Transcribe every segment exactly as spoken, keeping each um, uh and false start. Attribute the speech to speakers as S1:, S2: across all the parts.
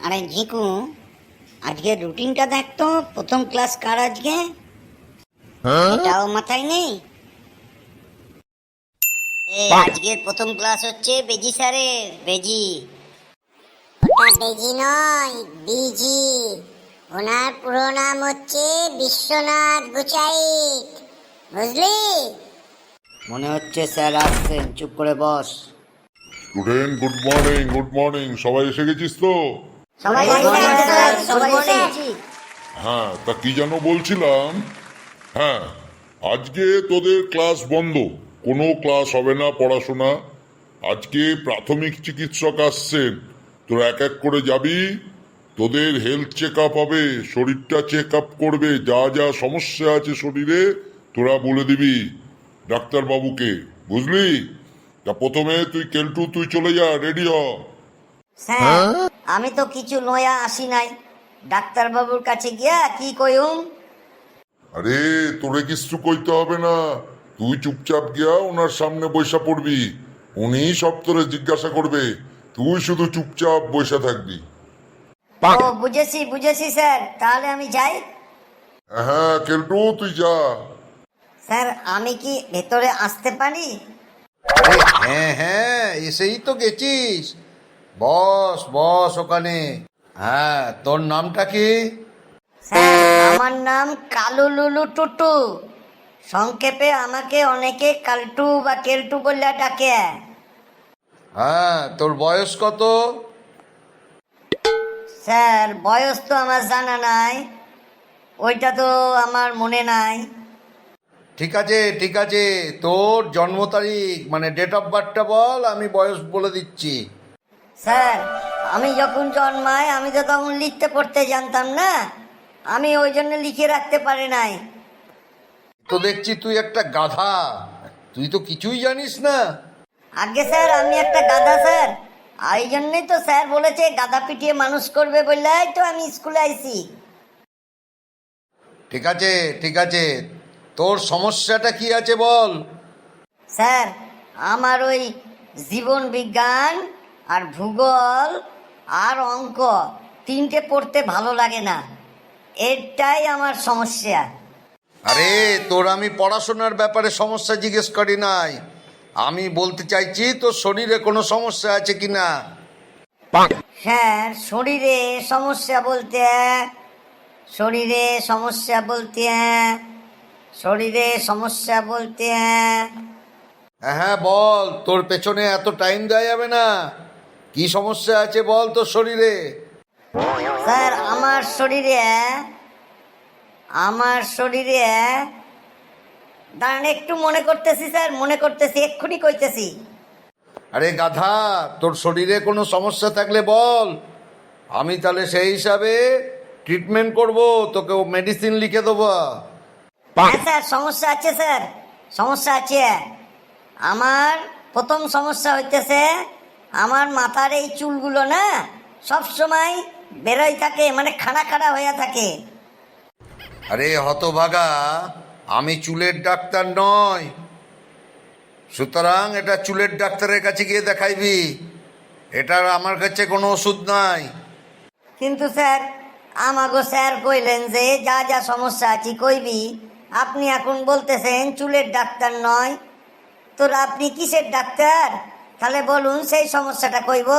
S1: আরে ঝিকু, আজকের রুটিনটা দেখতো, প্রথম ক্লাস কার আজকে? এটাও মাথায় নেই। এ আজকের প্রথম ক্লাস হচ্ছে বেজি স্যারের। বেজি
S2: ওটা বেজি নয়, বিজি। ওনার পুরো নাম হচ্ছে বিশ্বনাথ গুচাইত, বুঝলি?
S1: মনে হচ্ছে স্যার আসছেন, চুপ করে বস।
S3: Student, good morning. Good morning, সবাই এসে গেছিস তো?
S1: সবাই সবাই এসেছি।
S3: হ্যাঁ, তা কি যেন বলছিলাম। হ্যাঁ, আজকে তোদের ক্লাস বন্ধ, কোনো ক্লাস হবে না, পড়াশোনা। আজকে প্রাথমিক চিকিৎসক আসছেন, তোরা এক এক করে যাবি, তোদের হেলথ চেক আপ হবে, শরীরটা চেক আপ করবে, যা যা সমস্যা আছে শরীরে তোরা বলে দিবি ডাক্তারবাবুকে, বুঝলি? তা প্রথমে তুই কেলটু, তুই চলে যা, রেডি হ।
S1: স্যার, আমি তো কিছু লয়া আসি নাই, ডাক্তার বাবুর কাছে গিয়া কি কইম?
S3: আরে তোরে কিছু কইতে হবে না, তুই চুপচাপ গিয়া ওনার সামনে বৈশা পড়বি, উনি সব তোরে জিজ্ঞাসা করবে, তুই শুধু চুপচাপ বৈশা থাকবি।
S1: ও বুঝেছি বুঝেছি স্যার, তাহলে আমি যাই।
S3: হ্যাঁ কেলটু, তুই যা।
S1: স্যার, আমি কি ভেতরে আসতে পারি?
S4: আরে হ্যাঁ হ্যাঁ, এসেই তো গেছিস। বস বস ওখানে। হ্যাঁ, তোর নামটা কি?
S1: স্যার, আমার নাম কালু লুলু টুটু, সংক্ষেপে আমাকে অনেকে কালটু বা কেলটু বলে ডাকে।
S4: হ্যাঁ, তোর বয়স কত?
S1: স্যার, বয়স তো আমার জানা নাই, ওইটা তো আমার মনে নাই।
S4: ঠিক আছে ঠিক আছে, তোর জন্ম তারিখ মানে ডেট অফ বার্থটা বল, আমি বয়স বলে দিচ্ছি।
S1: স্যার, আমি যখন জন্মাই আমি তো তখন লিখতে পড়তে জানতাম না, আমি ওই জন্য লিখে রাখতে পারি নাই।
S4: তো দেখছি তুই একটা গাধা, তুই তো কিছুই জানিস না।
S1: আগে স্যার, আমি একটা গাধা স্যার, এই জন্যই তো স্যার বলেছে গাধা পিটিয়ে মানুষ করবে, বললেই তো আমি স্কুলে আইছি।
S4: ঠিক আছে ঠিক আছে, তোর সমস্যাটা কি আছে বল।
S1: স্যার, আমার ওই জীবন বিজ্ঞান আর ভূগোল আর অঙ্ক তিনটে পড়তে ভালো লাগে না, এটাই আমার সমস্যা।
S4: আরে তোর আমি পড়াশোনার ব্যাপারে সমস্যা জিজ্ঞেস করি নাই, আমি বলতে চাইছি তোর শরীরে কোনো সমস্যা আছে কি না।
S1: স্যার, শরীরে সমস্যা বলতে শরীরে সমস্যা বলতে শরীরে সমস্যা বলতে
S4: হ্যাঁ হ্যাঁ বল, তোর পেছনে এত টাইম দেওয়া যাবে না, কি সমস্যা আছে বল তোর শরীরে।
S1: স্যার, আমার শরীরে আমার শরীরে দাঁড়ান, একটু মনে করতেছি স্যার, মনে করতেছি, এক্ষুনি কইতেছি।
S4: আরে গাধা, তোর শরীরে কোনো সমস্যা থাকলে বল, আমি তাহলে সেই হিসাবে ট্রিটমেন্ট করব, তোকে মেডিসিন লিখে দেবো।
S1: হ্যাঁ স্যার, সমস্যা আছে স্যার, সমস্যা আছে। আমার প্রথম সমস্যা হইতেছে, আমার মাথার এই চুলগুলো না সব সময় বেরোয় থাকে, মানে খাড়া খাড়া হয়ে থাকে।
S4: আরে হতভাগা, আমি চুলের ডাক্তার নয়, সুতরাং এটা চুলের ডাক্তারের কাছে গিয়ে দেখাইবি, এটার আমার কাছে কোনো ওষুধ নাই।
S1: কিন্তু স্যার, আমাগো স্যার কইলেন যে যা যা সমস্যা আছে কইবি, আপনি এখন বলতেছেন চুলের ডাক্তার নয়, তো আপনি কিসের ডাক্তার? তাহলে বলুন, সেই সমস্যাটা কইব।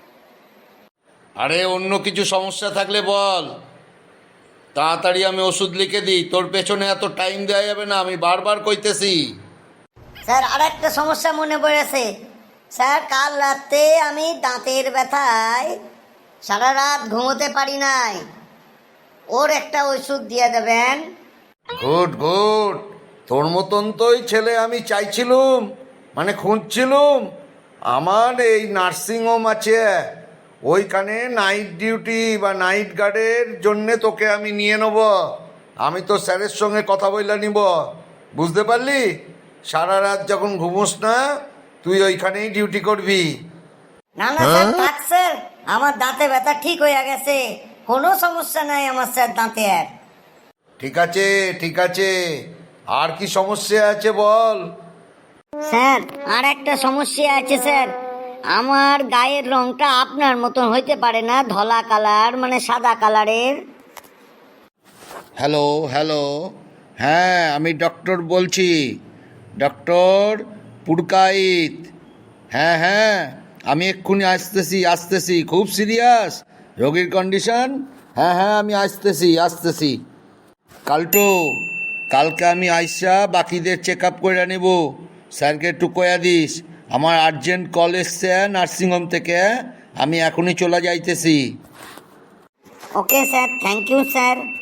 S4: আরে অন্য কিছু সমস্যা থাকলে বল, তাড়াতাড়ি আমি ওষুধ লিখে দিই, তোর পেছনে এত টাইম দেওয়া যাবে না, আমি বারবার কইতেছি।
S1: স্যার, আর একটা সমস্যা মনে পড়েছে। স্যার, কাল রাতে আমি দাঁতের ব্যথায় সারা রাত ঘুমোতে পারি নাই, ওর একটা ওষুধ দিয়ে দেবেন।
S4: গুড গুড, তোর মতন তোই ছেলে আমি চাইছিলুম, মানে খুঁজছিলুম। আমার এই নার্সিংহোম আছে, ওইখানে নাইট ডিউটি বা নাইট গার্ডের জন্যে তোকে আমি নিয়ে নেব, আমি তো স্যারের সঙ্গে কথা বলে নিব, বুঝতে পারলি? সারা রাত যখন ঘুমোস না, তুই ওইখানেই ডিউটি করবি।
S1: না না স্যার, থাক স্যার, আমার দাঁতে ব্যথা ঠিক হয়ে গেছে, কোনো সমস্যা নাই আমার স্যার দাঁতের।
S4: ঠিক আছে ঠিক আছে, আর কি সমস্যা আছে বল।
S1: স্যার, আর একটা সমস্যা আছে স্যার, আমার গায়ের রংটা আপনার মতন হইতে পারে না, ধলা কালার মানে সাদা কালারের।
S4: হ্যালো হ্যালো, হ্যাঁ আমি ডক্টর বলছি, ডক্টর পুরকাইত। হ্যাঁ হ্যাঁ, আমি এক্ষুনি আসতেছি আসতেছি খুব সিরিয়াস রোগীর কন্ডিশন। হ্যাঁ হ্যাঁ আমি আসতেছি আসতেছি। কালটো, কালকে আমি আইসা বাকিদের চেক আপ করে নেব। স্যারকে একটু কয়া দিস আমার আর্জেন্ট কল এসছে নার্সিংহোম থেকে, আমি এখনই চলে যাইতেছি।
S1: Okay sir, thank you sir.